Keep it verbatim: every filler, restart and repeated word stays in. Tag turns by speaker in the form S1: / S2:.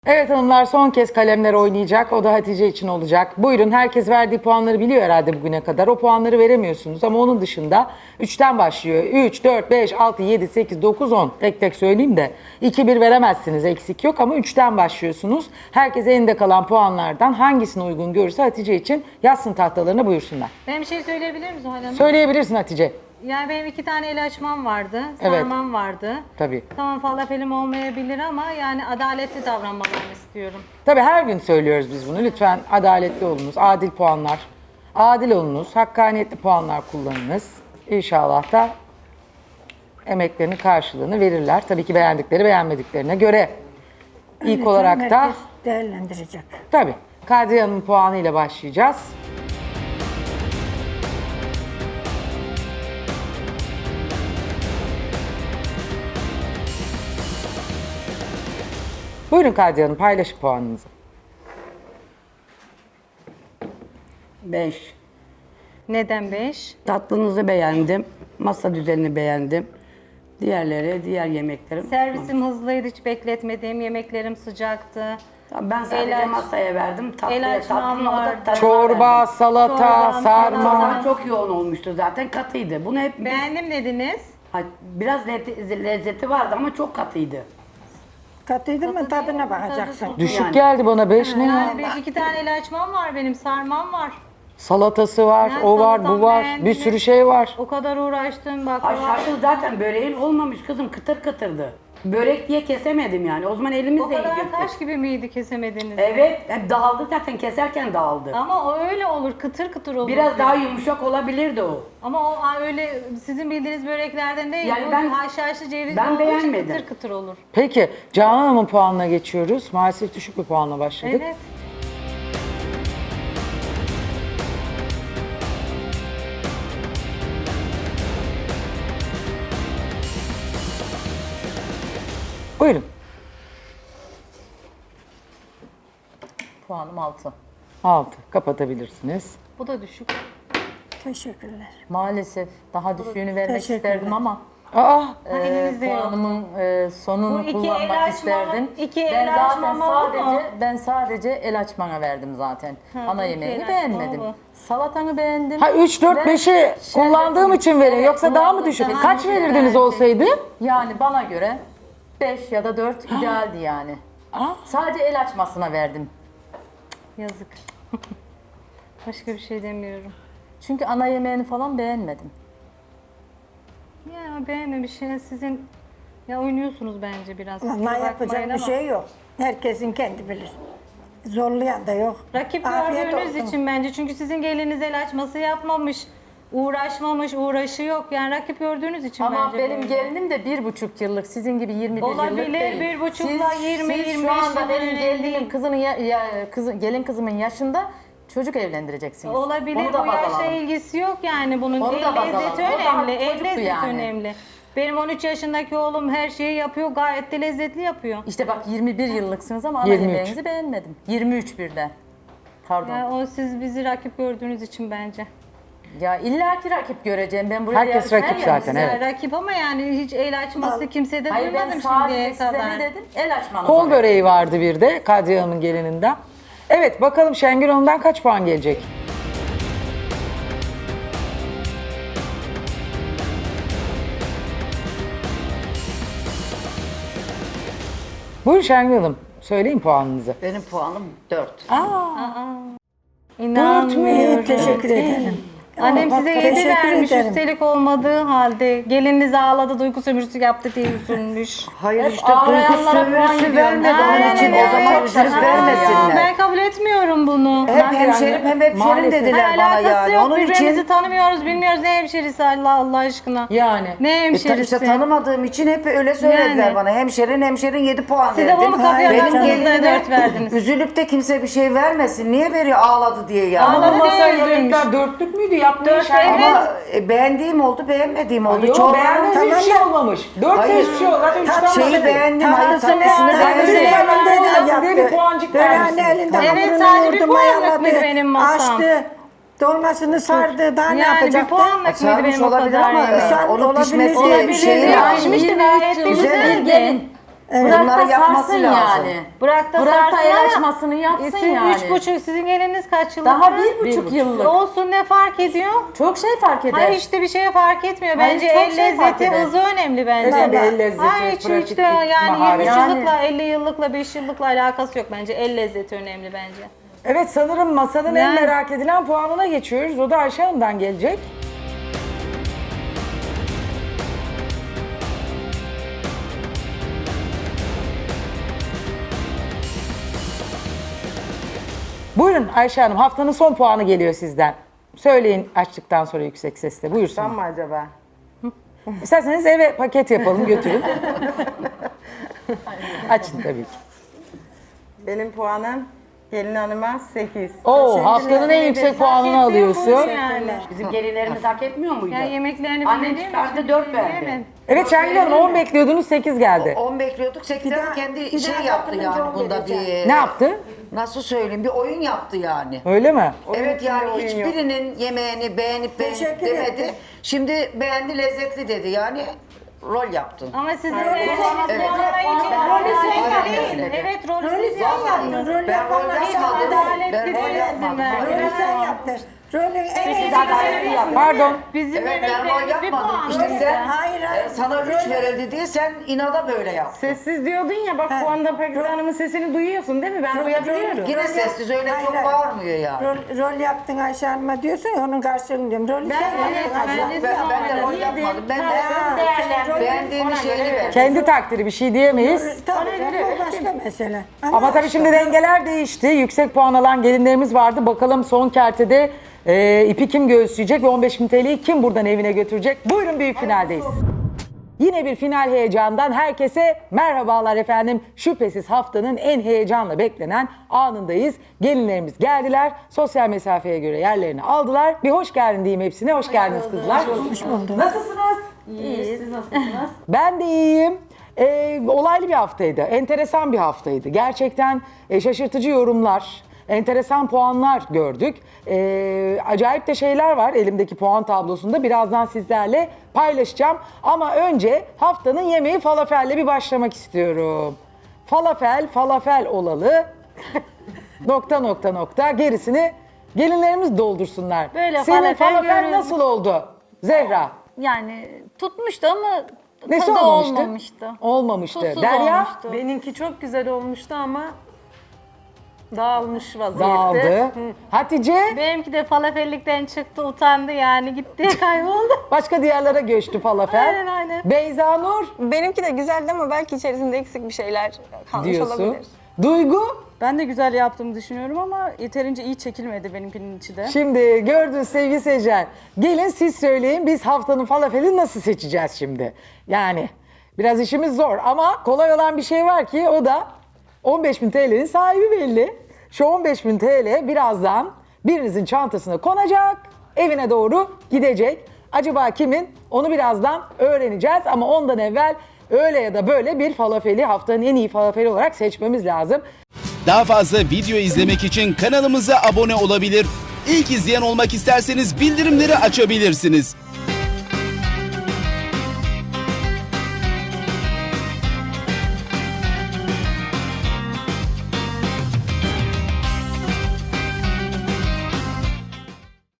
S1: Evet hanımlar son kez kalemler oynayacak. O da Hatice için olacak. Buyurun, herkes verdiği puanları biliyor herhalde bugüne kadar. O puanları veremiyorsunuz ama onun dışında üçten başlıyor. üç, dört, beş, altı, yedi, sekiz, dokuz, on. Tek tek söyleyeyim de iki bir veremezsiniz, eksik yok ama üçten başlıyorsunuz. Herkes elinde kalan puanlardan hangisini uygun görürse Hatice için yazsın tahtalarına, buyursunlar.
S2: Ben bir şey söyleyebilir miyim Zuhal Hanım?
S1: Söyleyebilirsin Hatice.
S2: Yani benim iki tane el açmam vardı,
S1: Evet.
S2: sarmam vardı.
S1: Tabii.
S2: Tamam falafelim olmayabilir ama yani adaletli davranmalarını istiyorum.
S1: Tabii her gün söylüyoruz biz bunu. Lütfen adaletli olunuz, adil puanlar. Adil olunuz, hakkaniyetli puanlar kullanınız. İnşallah da emeklerinin karşılığını verirler. Tabii ki beğendikleri beğenmediklerine göre. İlk
S3: Evet,
S1: olarak da
S3: herkes değerlendirecek.
S1: tabii Kadriye Hanım'ın puanıyla başlayacağız. Buyurun Kadriye Hanım, paylaşın puanınızı.
S4: beş.
S2: Neden beş?
S4: Tatlınızı beğendim. Masa düzenini beğendim. Diğerleri, diğer yemeklerim.
S2: Servisim hızlıydı, hiç bekletmediğim yemeklerim sıcaktı.
S4: Tamam, ben sadece
S2: El aç-
S4: masaya verdim. Tatlıya
S2: el açmam
S4: tatlına o
S2: vardı.
S4: da tadına
S1: Çorba,
S4: verdim.
S1: salata,
S2: Çorba,
S1: sarma.
S4: Ama çok yoğun olmuştu zaten, katıydı. Bunu hep biz-
S2: Beğendim dediniz.
S4: Ha, biraz lezzeti, lezzeti vardı ama çok katıydı.
S3: Katıydı mı
S2: Katı
S3: tadına
S2: değil,
S3: bakacaksın.
S2: tadı-
S1: Düşük
S4: Yani.
S1: geldi bana beş ne ya?
S2: Yani beş, iki tane el açmam var benim, sarmam var.
S1: Salatası var,
S2: Ben
S1: o var, bu
S2: salatam
S1: var.
S2: beğendim.
S1: Bir sürü şey var.
S2: O kadar uğraştım baklava.
S4: Aşağısı zaten böreğin olmamış kızım, kıtır kıtırdı. Börek diye kesemedim yani. O zaman
S2: O
S4: elimizle
S2: kadar
S4: yiyecektik.
S2: taş gibi miydi kesemediniz?
S4: Evet, hep dağıldı zaten, keserken dağıldı.
S2: Ama o öyle olur, kıtır kıtır olur.
S4: Biraz daha yumuşak olabilirdi o.
S2: Ama o a- öyle sizin bildiğiniz böreklerden değil.
S4: Yani
S2: bu
S4: ben-
S2: haşhaşlı cevizli
S4: ben
S2: olduğu için
S4: beğenmedim.
S2: kıtır kıtır olur.
S1: Peki Canan Hanım'ın puanına geçiyoruz. Maalesef düşük bir puanla başladık.
S2: Evet.
S1: Buyurun.
S5: Puanım altı.
S1: altı. Kapatabilirsiniz.
S2: Bu da düşük.
S3: Teşekkürler.
S5: Maalesef daha düşüğünü vermek
S3: Teşekkürler.
S5: isterdim ama
S1: Aa,
S5: e,
S2: elinizde yok.
S5: puanımın e, sonunu
S2: Bu iki el
S5: kullanmak
S2: açma-
S5: isterdim.
S2: iki
S5: ben
S2: el
S5: zaten
S2: açmama oldu mu?
S5: sadece ben sadece el açmana verdim zaten. Ana
S2: bu iki
S5: yemeğini
S2: el
S5: beğenmedim.
S2: açma
S5: Salatanı beğendim.
S1: ha üç, dört,
S5: Ve
S1: beşi
S5: şerbetin-
S1: kullandığım için veriyor.
S5: Evet,
S1: Yoksa daha mı
S5: kullandım.
S1: düşük?
S5: Daha
S1: Kaç
S5: düşük
S1: verirdiniz
S5: verdim.
S1: olsaydı?
S5: Yani bana göre beş ya da dört idealdi yani. Sadece el açmasına verdim.
S2: Yazık. Başka bir şey demiyorum.
S5: Çünkü ana yemeğini falan beğenmedim.
S2: Ya beğenmemiş ya sizin ya oynuyorsunuz bence biraz.
S3: Ama
S2: Kusura
S3: yapacak
S2: bakmayın
S3: bir
S2: ama.
S3: şey yok. Herkesin kendi bilir. Zorlayan da yok.
S2: Rakip
S3: Afiyet
S2: gördüğünüz
S3: olsun.
S2: için bence, çünkü sizin geliniz el açması yapmamış, uğraşmamış, uğraşı yok. Yani rakip gördüğünüz için
S5: Ama
S2: bence
S5: benim
S2: böyle.
S5: gelinim de bir buçuk yıllık, sizin gibi yirmi bir
S2: Olabilir,
S5: yıllık değil.
S2: bir buçukla
S5: Siz-
S2: yirmi,
S5: siz
S2: yirmi
S5: şu
S2: beş
S5: anda
S2: yıl
S5: benim
S2: evli.
S5: gelinimin kızının ya, ya, kızı, gelin kızımın yaşında çocuk evlendireceksiniz.
S2: Olabilir,
S5: Onu da
S2: bu
S5: baz
S2: yaşla
S5: alalım.
S2: ilgisi yok yani bunun.
S5: Onu
S2: El
S5: da baz
S2: lezzeti
S5: alalım. O daha
S2: önemli, el
S5: çocuktu
S2: lezzeti
S5: yani.
S2: önemli. Benim on üç yaşındaki oğlum her şeyi yapıyor, gayet de lezzetli yapıyor.
S5: İşte bak yirmi bir yıllıksınız ama ana
S1: yirmi üç.
S5: yemeğinizi beğenmedim. yirmi üç birde. Pardon.
S2: Yani o siz bizi rakip gördüğünüz için bence.
S5: Ya illaki rakip göreceğim. Ben buraya
S1: Herkes
S5: yarışmaya
S1: rakip
S5: geldim.
S1: zaten, evet.
S2: Yani rakip ama yani hiç el açması kimsede
S5: Hayır, ben
S2: duymadım
S5: sadece
S2: şimdiye
S5: size
S2: kadar.
S5: ne dedim? El açmanızı.
S1: Kol
S5: verdim.
S1: böreği vardı bir de Kadriye Hanım'ın gelininden. Evet bakalım Şengül Hanım'dan kaç puan gelecek? Buyurun Şengül Hanım. Söyleyin puanınızı.
S6: Benim puanım dört.
S2: İnanmıyorum.
S3: Teşekkür ederim.
S2: Annem
S3: Bak,
S2: size yedi
S3: teşekkür
S2: vermiş,
S3: ederim.
S2: üstelik olmadığı halde geliniz ağladı, duygu sömürüsü yaptı diye üzülmüş.
S6: Hayır
S5: Hep
S6: işte duygu
S5: ağlayanlara puan
S6: sömürüsü
S5: gidiyor.
S6: vermedi onun için.
S2: Aynen
S6: O zaman
S2: öyle.
S6: üzülüp
S2: Aa,
S6: vermesinler.
S2: Ben kabul etmiyorum bunu.
S6: Hep hemşerim hem hemşerim
S1: Maalesef.
S6: dediler
S2: Ha,
S6: bana
S2: alakası
S6: yani.
S2: yok,
S6: Onun
S2: birbirimizi
S6: için
S2: tanımıyoruz, bilmiyoruz ne hemşerisi Allah Allah aşkına.
S1: Yani.
S2: Ne
S6: e, ta-
S2: hemşerisi?
S6: işte tanımadığım için hep öyle söylediler
S2: Yani.
S6: bana. Hemşerin hemşerin yedi puan
S2: Siz de
S6: verdim.
S2: bunu kapıya
S6: Benim
S2: taktınız da
S6: gelinime
S2: dört verdiniz.
S6: üzülüp de kimse bir şey vermesin. Niye veriyor ağladı diye yani.
S2: Ağladı.
S1: Ama masaya
S2: değil,
S1: yemekler dörtlük müydü? Yaptığı
S2: Dört,
S1: şey.
S2: evet.
S6: Ama e, beğendiğim oldu, beğenmediğim oldu.
S1: Yok
S6: Çorbanın
S1: beğendiğiniz
S6: tamam
S1: hiçbir şey
S6: da-
S1: olmamış. Dört
S6: Hayır.
S1: hiçbir şey olmamış. Zaten üçten
S6: Şeyi
S1: bahsediyorum.
S6: beğendim, hayır
S3: Tatlısını
S6: tatlısını
S3: tatlısını
S6: beğendim.
S1: Tatlısını
S3: elinde
S1: olmasın diye bir
S3: yaptı.
S1: puancık
S3: Böreğini
S1: vermişsiniz.
S3: elinde
S2: Evet,
S3: hamurunu
S2: sadece bir
S3: yoğurdu,
S2: puanlık
S3: mayaladı,
S2: mıydı benim masam?
S3: Açtı. Dolmasını sardı. Daha ne
S2: Yani bir
S3: yapacaktı?
S2: puanlık mıydı
S6: Sarmış
S2: benim o
S6: olabilir
S2: kadar
S6: ama
S2: yemeğim?
S3: Sen
S6: onun
S3: olabilir
S6: pişmesi
S3: diye
S2: Olabilir,
S6: şeyi
S2: yani
S6: yani.
S2: pişmiş de
S5: yirmi üç
S2: gayet de
S5: yıllık
S2: güzeldi.
S5: bir gelin. Bırak
S6: Bunları
S5: da
S6: yapması
S5: sarsın
S6: lazım.
S5: yani.
S2: Bırak da
S5: Bırak da
S2: sarsın
S5: el
S2: ama
S5: açmasını yapsın
S2: sizin
S5: yani.
S2: üç buçuk, sizin geliniz kaç yıllık?
S5: Daha bir buçuk yıllık.
S2: Olsun, ne fark ediyor?
S5: Çok şey fark eder.
S2: Hayır, işte bir şeye fark etmiyor.
S5: Hayır,
S2: Bence
S5: çok
S2: el
S5: şey fark
S2: lezzeti,
S5: eder.
S2: hızı önemli bence.
S1: Tabii, el lezzeti,
S2: Hayır, hiç
S1: pratiklik,
S2: işte yani
S1: maharet.
S2: yirmi üç
S5: Yani-
S2: yıllıkla, elli yıllıkla, beş yıllıkla alakası yok bence. El lezzeti önemli bence.
S1: Evet, sanırım masanın en
S2: Yani-
S1: merak edilen puanına geçiyoruz. O da Ayşe Hanım'dan gelecek. Buyurun Ayşe Hanım, haftanın son puanı geliyor sizden. Söyleyin açtıktan sonra yüksek sesle. Buyursun.
S7: Mı acaba?
S1: İsterseniz eve paket yapalım, götürün. Açın tabii ki.
S7: Benim puanım gelin hanıma sekiz.
S1: Oo, haftanın en yüksek puanını alıyorsun.
S2: Yani.
S4: Bizim gelinlerimiz hak etmiyor muydu?
S2: Ya yemeklerini
S4: Annem
S2: bilmediğim
S4: çıkardı,
S2: için
S4: dört verdi.
S2: bilemedim.
S1: Evet Şengül Hanım, on bekliyordunuz, sekiz geldi.
S6: on bekliyorduk. sekizden
S3: daha-
S6: kendi
S3: bir
S6: şey
S3: daha
S6: yaptı
S3: bakınca
S6: yani
S3: on
S6: bunda
S3: vereceğim.
S6: bir...
S1: Ne yaptı?
S6: Nasıl söyleyeyim? Bir oyun yaptı yani.
S1: Öyle mi?
S6: Evet yani
S7: oyun yok.
S6: hiçbirinin yemeğini beğenip beğenip
S3: Teşekkür
S6: demedi.
S3: ederim.
S6: Şimdi beğendi, lezzetli dedi. Yani rol yaptın.
S2: Ama sizin
S6: Evet.
S2: beğendiğiniz puanlar için rolü sen
S6: Aynen
S2: değil.
S6: öyle.
S2: Evet, rolü
S3: Rolü
S2: siz
S3: sen
S2: yaptınız.
S3: yaptın. Rolü
S6: Ben rol
S3: yapmadan
S6: yapmadım.
S2: adaletli
S6: Ben rol
S2: değilsin
S6: yapmadım.
S2: ben.
S3: Rolü sen yaptın. Rolü en
S4: Siz adaletli yapın.
S1: Pardon.
S2: Bizim
S6: Evet ben rol
S2: yemeklerimiz bir
S6: yapmadım.
S2: puan.
S6: İşte sen
S3: Hayır, hayır.
S6: e, sana üç verildi diye sen inada böyle yaptın.
S7: Sessiz diyordun ya, bak bu anda Pakize Hanım'ın sesini duyuyorsun değil mi? Ben duyabiliyorum.
S6: Yine sessiz öyle
S3: Hayır,
S6: çok
S3: hayır.
S6: bağırmıyor yani.
S3: Rol, rol yaptın Ayşe Hanım'a diyorsun ya, onun karşılığını diyorum. Rolü sen yaptın Ayşe Hanım.
S6: Ben, ben de rol yapmadım. Ben de beğendiğim şeyini verdim.
S1: Kendi takdiri, bir şey diyemeyiz.
S3: Tabii canım, o başka mesele.
S1: Ama tabii şimdi dengeler değişti. Yüksek puan alan gelinlerimiz vardı. Bakalım son kertede e, ipi kim göğüsleyecek ve on beş bin T L'yi kim buradan evine götürecek? Buyurun, büyük finaldeyiz. Yine bir final heyecandan herkese merhabalar efendim. Şüphesiz haftanın en heyecanla beklenen anındayız. Gelinlerimiz geldiler. Sosyal mesafeye göre yerlerini aldılar. Bir hoş geldin diyeyim hepsine. Hoş geldiniz kızlar. Hoş bulduk. Nasılsınız?
S5: İyiyiz. Siz nasılsınız?
S1: Ben de iyiyim. Ee, olaylı bir haftaydı. Enteresan bir haftaydı. Gerçekten e, şaşırtıcı yorumlar, enteresan puanlar gördük. Ee, acayip de şeyler var elimdeki puan tablosunda. Birazdan sizlerle paylaşacağım. Ama önce haftanın yemeği falafelle bir başlamak istiyorum. Falafel, falafel olalı. nokta nokta nokta. Gerisini gelinlerimiz doldursunlar.
S2: Böyle
S1: Senin
S2: falafel
S1: falafel
S2: görüyorum.
S1: nasıl oldu Zehra?
S8: Yani tutmuştu ama
S1: Nesi
S8: tadı
S1: olmamıştı?
S8: olmamıştı.
S1: Olmamıştı.
S8: Tuzsuz
S1: Derya
S8: olmuştu.
S7: Benimki çok güzel olmuştu ama dağılmış vaziyette.
S1: dağıldı. Hatice
S2: Benimki de falafellikten çıktı, utandı yani, gitti, kayboldu.
S1: başka diyarlara göçtü falafel.
S2: Aynen, aynen.
S1: Beyza Nur
S9: Benimki de güzeldi ama belki içerisinde eksik bir şeyler kalmış
S1: diyorsun.
S9: olabilir.
S1: Duygu,
S9: Ben de güzel yaptığımı düşünüyorum ama yeterince iyi çekilmedi benimkinin içi de.
S1: şimdi gördünüz sevgili seyirciler. Gelin siz söyleyin, biz haftanın falafeli nasıl seçeceğiz şimdi? Yani biraz işimiz zor ama kolay olan bir şey var ki o da on beş bin T L'nin sahibi belli. Şu on beş bin T L birazdan birinizin çantasına konacak, evine doğru gidecek. Acaba kimin? Onu birazdan öğreneceğiz ama ondan evvel öyle ya da böyle bir falafeli haftanın en iyi falafeli olarak seçmemiz lazım.
S10: Daha fazla video izlemek için kanalımıza abone olabilir. İlk izleyen olmak isterseniz bildirimleri açabilirsiniz.